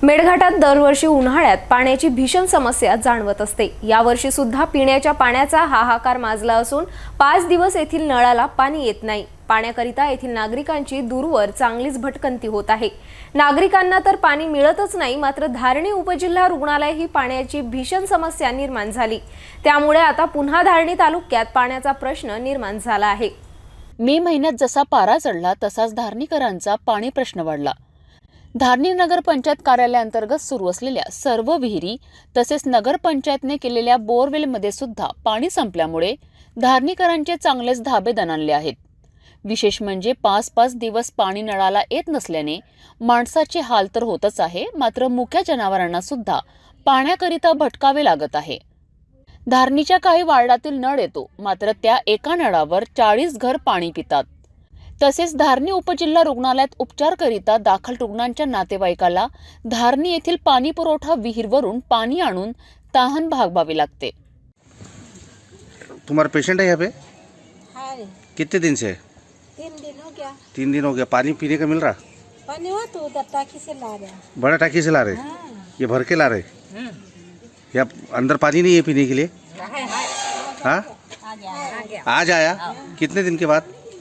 मेळघाटात दरवर्षी उन्हाळ्यात पाण्याची भीषण समस्या जाणवत असते। यावर्षी सुद्धा पिण्याच्या पाण्याचा हाहाकार माजला असून 5 दिवस येथील नळाला पाणी येत नाही। पाण्याकरिता येथील नागरिकांची दूरवर चांगलीच भटकंती होत आहे। नागरिकांना तर पाणी मिळतच नाही, मात्र धारणी उपजिल्हा रुग्णालय ही पाण्याची भीषण समस्या निर्माण झाली। त्यामुळे आता पुन्हा धारणी तालुक्यात पाण्याचा प्रश्न निर्माण झाला आहे। मे महिन्यात जसा पारा चढला तसाच धारणीकरांचा पाणी प्रश्न वाढला। धारणी नगर पंचायत कार्यालयाअंतर्गत सुरू असलेल्या सर्व विहिरी तसेच नगर पंचायतने केलेल्या बोरवेलमध्ये सुद्धा पाणी संपल्यामुळे धारणीकरांचे चांगलेच धाबे दणाणले आहेत। विशेष म्हणजे 5-5 दिवस पाणी नळाला येत नसल्याने माणसाचे हाल तर होतच आहे, मात्र मुक्या जनावरांना सुद्धा पाण्याकरिता भटकावे लागत आहे। धारणीच्या काही वार्डातील नळ येतो, मात्र त्या एका नळावर 40 घर पाणी पितात। तसेच धारणी उपजिल्हा रुग्णालयात उपचारकरिता दाखल रुग्णांच्या नातेवाईकाला धारणी येथील पाणी पुरवठा विहीरवरून पाणी आणून तहान भागवावी लागते। तुम्हारा पेशेंट है यहाँ पे? हाँ रे, कितने दिन से? 3 दिन हो गया। 3 दिन हो गया। पानी पीने का मिल रहा? पानी हुआ तो उधर टाकी से ला रहा। बड़ा टाकी से ला रहे? हाँ। ये भर के ला रहे? या अंदर पानी नहीं है पीने के लिए? हाँ, आज आया। कितने दिन के बाद?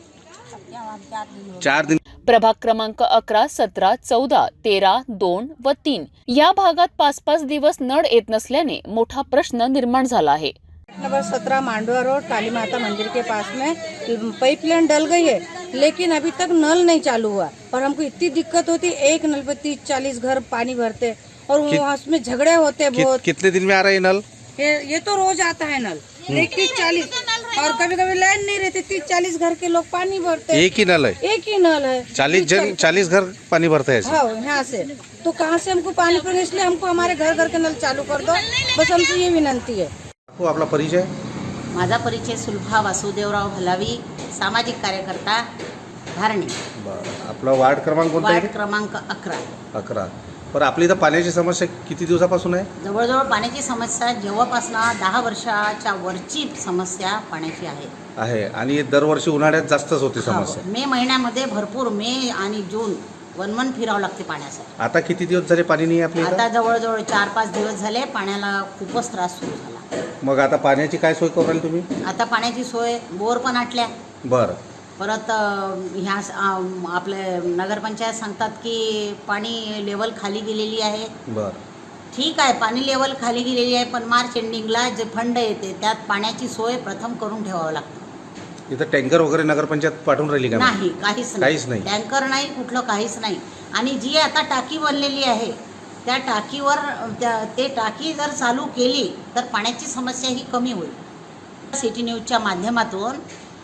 4 दिन। प्रभाग क्रमांक 11, 17, 14, 13, 2 व 3 या भागात 5-5 दिवस नळ येत नसल्याने मोठा प्रश्न निर्माण झाला आहे। नंबर 17 मांडवा रोड काली माता मंदिर के पास में पाइपलाइन डल गई है, लेकिन अभी तक नल नहीं चालू हुआ। और हमको इतनी दिक्कत होती, एक नल पे 30-40 घर पानी भरते और वहाँ उसमें झगड़े होते बहुत। कितने दिन में आ रहा है नल? ये तो रोज आता है नल, 30-40 और कभी कभी लाइन नहीं रहती, 30-40 घर के लोग पानी भरते। एक ही नल है? एक ही नल है। 40 घर पानी भरते हैं ऐसे? हाँ, यहाँ से तो कहाँ से हमको पानी पीने, इसलिए हमको हमारे घर घर के नल चालू कर दो, बस हमसे ये विनंती है। हो, आपला परिचय? माझा परिचय सुलभा वासुदेवराव भलावी, सामाजिक कार्यकर्ता, धारणी। आपला वार्ड क्रमांक कोणता वार्ड आहे? क्रमांक 11। 11। पर आपली इथं पाण्याची समस्या किती दिवसापासून आहे? जवळजवळ पाण्याची समस्या जेव्हापासून 10 वर्षाच्या वरची समस्या पाण्याची आहे आणि दरवर्षी उन्हाळ्यात जास्तच होती समस्या। मे महिन्यामध्ये भरपूर मे आणि जून वनवन फिरावं लागते पाण्यासाठी। आता किती दिवस झाले पाणी नाही आपल्या आता इथं? जवळजवळ 4-5 दिवस झाले पाण्याला खूपच त्रास सुरू झाला। मग आता पाण्याची काय सोय करू राहिले तुम्ही? आता पाण्याची सोय बोर पण आटल्या। बरं। परत ह्या आपले नगरपंचायत सांगतात की पाणी लेवल खाली गेलेली आहे। बरं, ठीक आहे, पाणी लेवल खाली गेलेली आहे, पण मार्च एंडिंगला जे फंड येते त्यात पाण्याची सोय प्रथम करून ठेवावं लागतं। इथं टँकर वगैरे नगरपंचायत पाठवून राहिली का? नाही, काहीच नाही। टँकर नाही, कुठलं काहीच नाही। आणि जी आता टाकी बनलेली आहे त्या टाकीवर ते टाकी जर चालू केली तर पाण्याची समस्या ही कमी होईल। सिटी न्यूजच्या माध्यमातून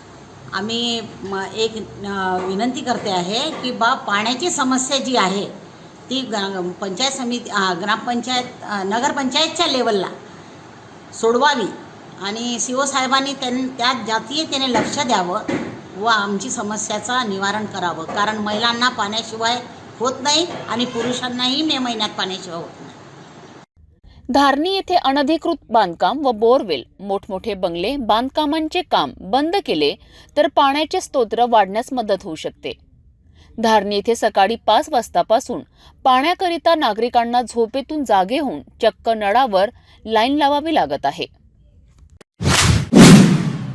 आम्ही एक विनंती करते आहे की पाण्याची समस्या जी आहे ती पंचायत समिती ग्रामपंचायत नगरपंचायतच्या लेवलला सोडवावी आणि CO साहेबांनी त्यात जातीयतेने लक्ष द्यावं व आमची समस्याचा निवारण करावं। कारण महिलांना पाण्याशिवाय होत नाही आणि पुरुषांनाही मे महिन्यात पाण्याशिवाय होत नाही। धारणी येथे अनधिकृत बांधकाम व बोरवेल, मोठमोठे बंगले बांधकामांचे काम बंद केले तर पाण्याचे स्तोत्र वाढण्यास मदत होऊ शकते। धारणी येथे सकाळी 5 वाजतापासून पाण्याकरिता नागरिकांना झोपेतून जागे होऊन चक्क नळावर लाईन लावावी लागत आहे।